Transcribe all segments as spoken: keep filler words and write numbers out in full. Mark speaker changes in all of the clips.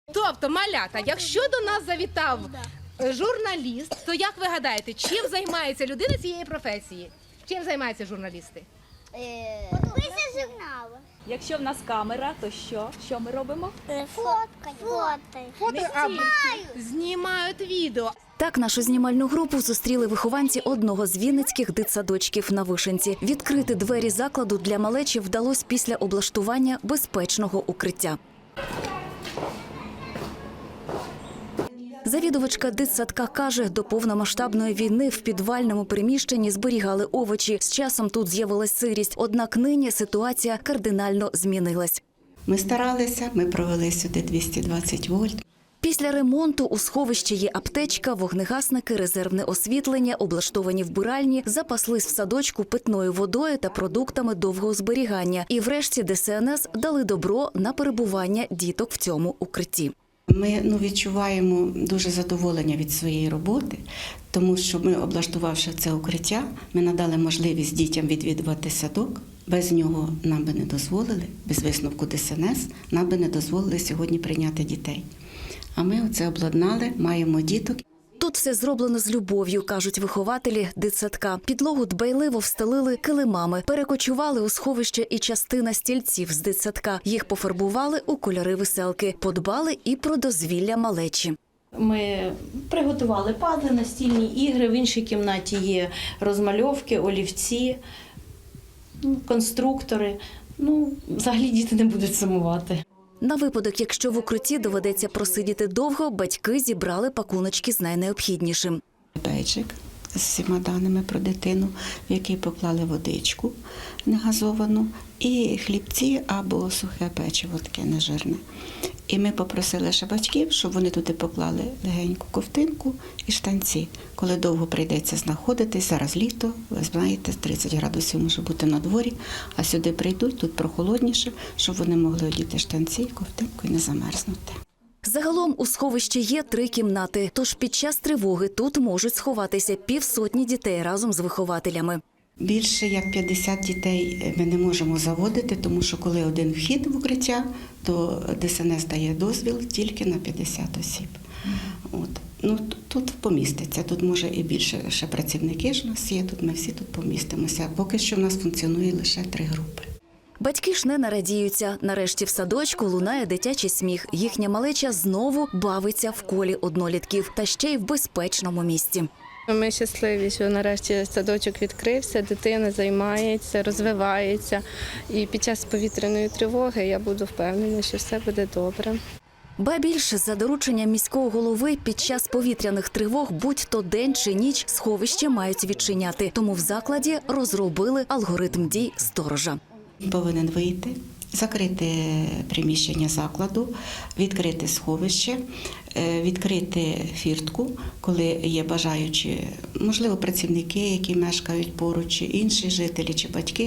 Speaker 1: Тобто, малята, якщо до нас завітав журналіст, то як ви гадаєте, чим займається людина цієї професії? Чим займаються журналісти?
Speaker 2: Пише журнали.
Speaker 3: Якщо в нас камера, то що? Що ми робимо?
Speaker 2: Фоткають. Фото.
Speaker 1: Фото або знімають відео.
Speaker 4: Так нашу знімальну групу зустріли вихованці одного з вінницьких дитсадочків на Вишенці. Відкрити двері закладу для малечі вдалося після облаштування безпечного укриття. Завідувачка дитсадка каже, до повномасштабної війни в підвальному приміщенні зберігали овочі. З часом тут з'явилась сирість, однак нині ситуація кардинально змінилась.
Speaker 5: Ми старалися, ми провели сюди двісті двадцять вольт.
Speaker 4: Після ремонту у сховищі є аптечка, вогнегасники, резервне освітлення, облаштовані вбиральні, запаслись в садочку питною водою та продуктами довгого зберігання. І врешті Де Се Ен Ес дали добро на перебування діток в цьому укритті.
Speaker 5: Ми ну, відчуваємо дуже задоволення від своєї роботи, тому що ми, облаштувавши це укриття, ми надали можливість дітям відвідувати садок. Без нього нам би не дозволили, без висновку Де Се Ен Ес, нам би не дозволили сьогодні прийняти дітей. А ми оце обладнали, маємо діток.
Speaker 4: Тут все зроблено з любов'ю, кажуть вихователі дитсадка. Підлогу дбайливо встелили килимами, перекочували у сховище і частина стільців з дитсадка. Їх пофарбували у кольори веселки, подбали і про дозвілля малечі.
Speaker 6: Ми приготували пазли, настільні ігри, в іншій кімнаті є розмальовки, олівці, конструктори. Ну, взагалі діти не будуть сумувати.
Speaker 4: На випадок, якщо в укритті доведеться просидіти довго, батьки зібрали пакуночки з найнеобхіднішим.
Speaker 5: Бейджик з всіма даними про дитину, в який поклали водичку негазовану, і хлібці або сухе печиво, таке нежирне. І ми попросили ще батьків, щоб вони туди поклали легеньку ковтинку і штанці. Коли довго прийдеться знаходитись, зараз літо, ви знаєте, тридцять градусів може бути на дворі, а сюди прийдуть, тут прохолодніше, щоб вони могли одіти штанці, ковтинку і не замерзнути.
Speaker 4: Загалом у сховищі є три кімнати, тож під час тривоги тут можуть сховатися півсотні дітей разом з вихователями.
Speaker 5: Більше як п'ятдесят дітей ми не можемо заводити, тому що коли один вхід в укриття, то Де Се Ен Ес дає дозвіл тільки на п'ятдесят осіб. От. Ну, тут поміститься, тут може і більше ще працівники ж у нас є, тут ми всі тут помістимося. Поки що в нас функціонує лише три групи.
Speaker 4: Батьки ж не нарадіються. Нарешті в садочку лунає дитячий сміх. Їхня малеча знову бавиться в колі однолітків, та ще й в безпечному місці.
Speaker 7: Ми щасливі, що нарешті садочок відкрився, дитина займається, розвивається. І під час повітряної тривоги я буду впевнена, що все буде добре.
Speaker 4: Ба більше, за дорученням міського голови, під час повітряних тривог, будь-то день чи ніч, сховище мають відчиняти. Тому в закладі розробили алгоритм дій сторожа.
Speaker 5: Повинен вийти, закрити приміщення закладу, відкрити сховище, відкрити фіртку, коли є бажаючі, можливо, працівники, які мешкають поруч, чи інші жителі, чи батьки,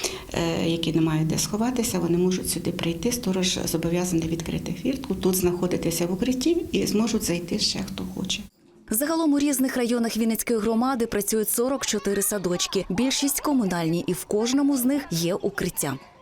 Speaker 5: які не мають де сховатися, вони можуть сюди прийти. Сторож зобов'язаний відкрити фіртку, тут знаходитися в укритті і зможуть зайти ще хто хоче.
Speaker 4: Загалом у різних районах Вінницької громади працюють сорок чотири садочки. Більшість комунальні, і в кожному з них є укриття.